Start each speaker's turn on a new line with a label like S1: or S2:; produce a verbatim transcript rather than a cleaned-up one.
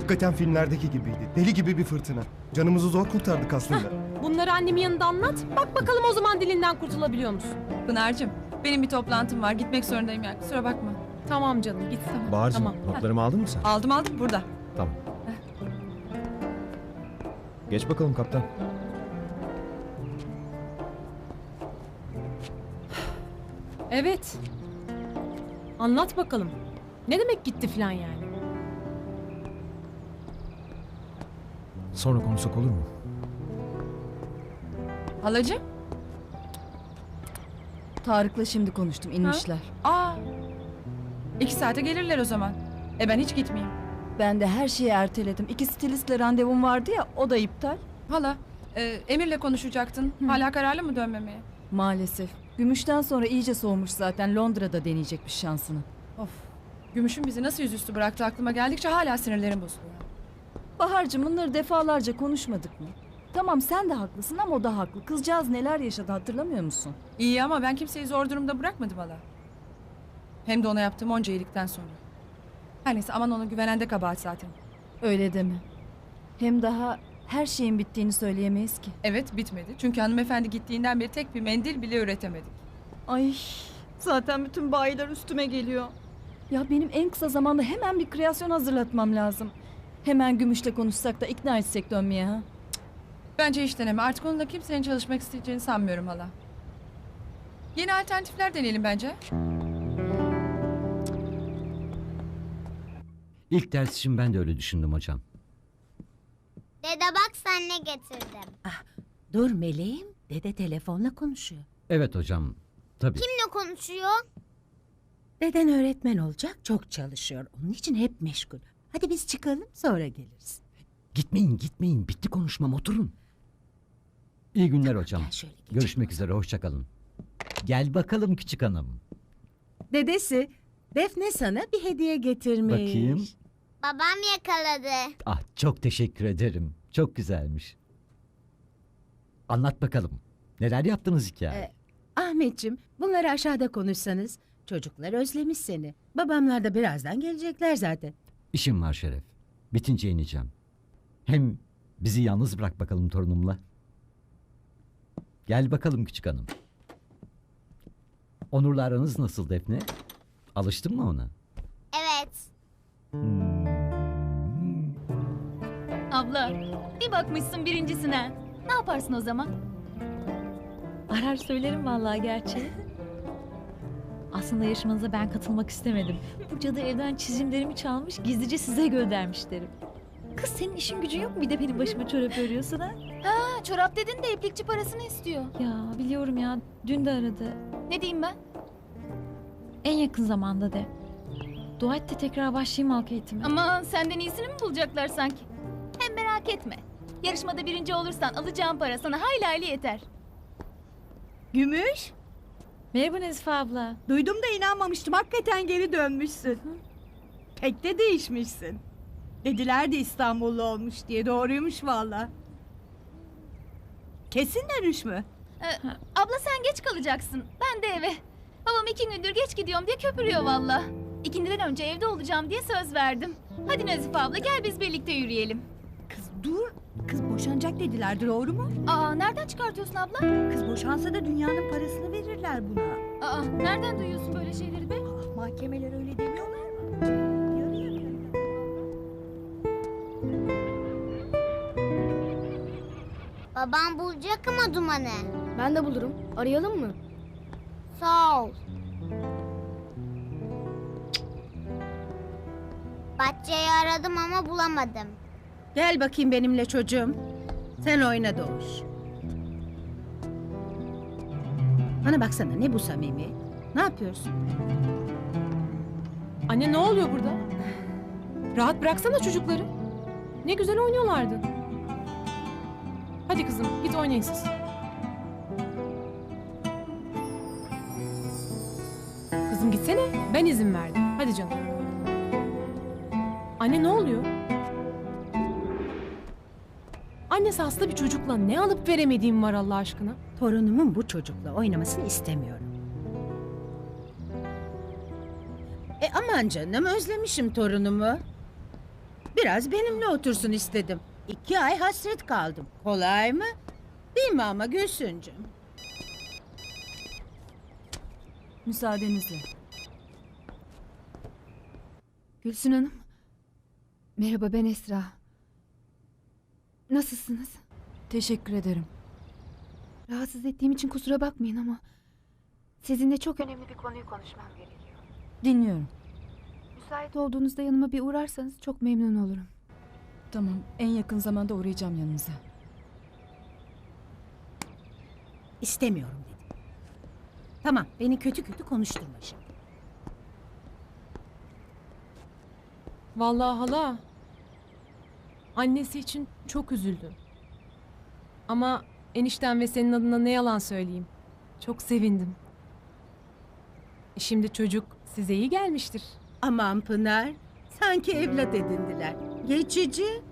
S1: Hakikaten filmlerdeki gibiydi. Deli gibi bir fırtına. Canımızı zor kurtardık aslında.
S2: Bunları annemin yanında anlat. Bak bakalım o zaman dilinden kurtulabiliyor musun?
S3: Pınar'cığım benim bir toplantım var. Gitmek zorundayım yani. Kusura bakma.
S2: Tamam canım git. Tamam.
S4: Bahar'cığım
S2: Tamam.
S4: notlarımı aldın mı sen?
S3: Aldım aldım burada.
S4: Tamam. Geç bakalım kaptan.
S2: Evet. Anlat bakalım. Ne demek gitti falan yani?
S4: Sonra konuşsak olur mu?
S3: Halacığım.
S5: Tarık'la şimdi konuştum, inmişler.
S3: Aa. İki saate gelirler o zaman. E ben hiç gitmeyeyim.
S5: Ben de her şeyi erteledim. İki stilistle randevum vardı ya, o da iptal.
S3: Hala, e, Emir'le konuşacaktın. Hala kararlı mı dönmemeye?
S5: Maalesef. Gümüşten sonra iyice soğumuş zaten. Londra'da deneyecekmiş şansını.
S3: Of. Gümüş'ün bizi nasıl yüzüstü bıraktı aklıma geldikçe hala sinirlerim bozuluyor.
S5: Bahar'cığım bunları defalarca konuşmadık mı? Tamam sen de haklısın ama o da haklı. Kızcağız neler yaşadı hatırlamıyor musun?
S3: İyi ama ben kimseyi zor durumda bırakmadım hala. Hem de ona yaptığım onca iyilikten sonra. Her neyse aman ona güvenen de kabahat zaten.
S5: Öyle deme. Hem daha her şeyin bittiğini söyleyemeyiz ki.
S3: Evet bitmedi. Çünkü hanımefendi gittiğinden beri tek bir mendil bile üretemedik.
S5: Ay zaten bütün bayiler üstüme geliyor. Ya benim en kısa zamanda hemen bir kreasyon hazırlatmam lazım. Hemen Gümüş'le konuşsak da ikna etsek dönmeye ha.
S3: Bence hiç deneme. Artık onunla kimsenin çalışmak isteyeceğini sanmıyorum hala. Yeni alternatifler deneyelim bence.
S6: İlk ders için ben de öyle düşündüm hocam.
S7: Dede bak sen ne getirdim.
S8: Dur meleğim, dede telefonla konuşuyor.
S6: Evet hocam, tabii.
S7: Kimle konuşuyor?
S8: Deden öğretmen olacak, çok çalışıyor. Onun için hep meşgul. Hadi biz çıkalım, sonra geliriz.
S6: Gitmeyin, gitmeyin. Bitti konuşmam, oturun. İyi günler hocam.
S8: Gel şöyle geçelim.
S6: Görüşmek üzere, hoşça kalın. Gel bakalım küçük hanım.
S8: Dedesi, Defne sana bir hediye getirmiş.
S6: Bakayım.
S7: Babam yakaladı.
S6: Ah, çok teşekkür ederim. Çok güzelmiş. Anlat bakalım. Neler yaptınız hikaye?
S8: Ee, Ahmetciğim, bunları aşağıda konuşsanız. Çocuklar özlemiş seni. Babamlar da birazdan gelecekler zaten.
S6: İşim var Şeref. Bitince ineceğim. Hem bizi yalnız bırak bakalım torunumla. Gel bakalım küçük hanım. Onur'la aranız nasıl Defne? Alıştın mı ona?
S7: Evet.
S9: Abla, bir bakmışsın birincisine. Ne yaparsın o zaman?
S10: Arar söylerim vallahi gerçi. Aslında yarışmanıza ben katılmak istemedim. Bu cadı evden çizimlerimi çalmış, gizlice size göndermiş derim. Kız senin işin gücün yok mu? Bir de benim başıma çorap örüyorsun ha?
S9: Ha, çorap dedin de iplikçi parasını istiyor.
S10: Ya biliyorum ya, dün de aradı.
S9: Ne diyeyim ben?
S10: En yakın zamanda de. Dua et de tekrar başlayayım halk eğitime.
S9: Ama senden iyisini mi bulacaklar sanki? Hem merak etme. Yarışmada birinci olursan alacağım para sana hayli hayli yeter.
S11: Gümüş,
S10: Merhaba Nezife abla.
S11: duydum da inanmamıştım. Hakikaten geri dönmüşsün. Pek de değişmişsin. Dediler de İstanbullu olmuş diye. Doğruymuş valla. Kesin dönüş mü?
S9: Ee, abla sen geç kalacaksın. Ben de eve. Babam iki gündür geç gidiyorum diye köpürüyor valla. İkindiden önce evde olacağım diye söz verdim. Hadi Nazife abla gel biz birlikte yürüyelim.
S11: Kız dur. Kız boşanacak dediler. Doğru mu?
S9: Aa nereden çıkartıyorsun abla?
S11: Kız boşansa da dünyanın parasını verirler buna.
S9: Aa nereden duyuyorsun böyle şeyleri be?
S11: Ah, mahkemeler öyle demiyorlar mı? Yarı yarıya.
S7: Babam bulacak ama Duman'ı.
S12: Ben de bulurum. Arayalım mı?
S7: Sağ ol. Bahçeyi aradım ama bulamadım.
S8: Gel bakayım benimle çocuğum. Sen oyna Doğuş. Bana baksana, ne bu samimi? Ne yapıyorsun?
S2: Anne ne oluyor burada? Rahat bıraksana çocukları. Ne güzel oynuyorlardı. Hadi kızım git oynayın siz. Kızım gitsene. Ben izin verdim. Hadi canım. Anne ne oluyor? Annesi hasta bir çocukla ne alıp veremediğim var Allah aşkına?
S8: Torunumun bu çocukla oynamasını istemiyorum. E aman canım, özlemişim torunumu. Biraz benimle otursun istedim. İki ay hasret kaldım. Kolay mı? Değil mi ama Gülsüncüm?
S5: Müsaadenizle.
S12: Gülsün Hanım. Merhaba, ben Esra. Nasılsınız?
S5: Teşekkür ederim.
S12: Rahatsız ettiğim için kusura bakmayın ama sizinle çok önemli bir konuyu konuşmam gerekiyor.
S5: Dinliyorum.
S12: Müsait olduğunuzda yanıma bir uğrarsanız çok memnun olurum.
S5: Tamam, en yakın zamanda uğrayacağım yanınıza.
S8: İstemiyorum dedim. Tamam, beni kötü kötü konuşturma şimdi.
S2: Vallahi hala. Annesi için çok üzüldüm. Ama enişten ve senin adına ne yalan söyleyeyim. Çok sevindim. E Şimdi çocuk size iyi gelmiştir.
S8: Aman Pınar, sanki evlat edindiler. Geçici.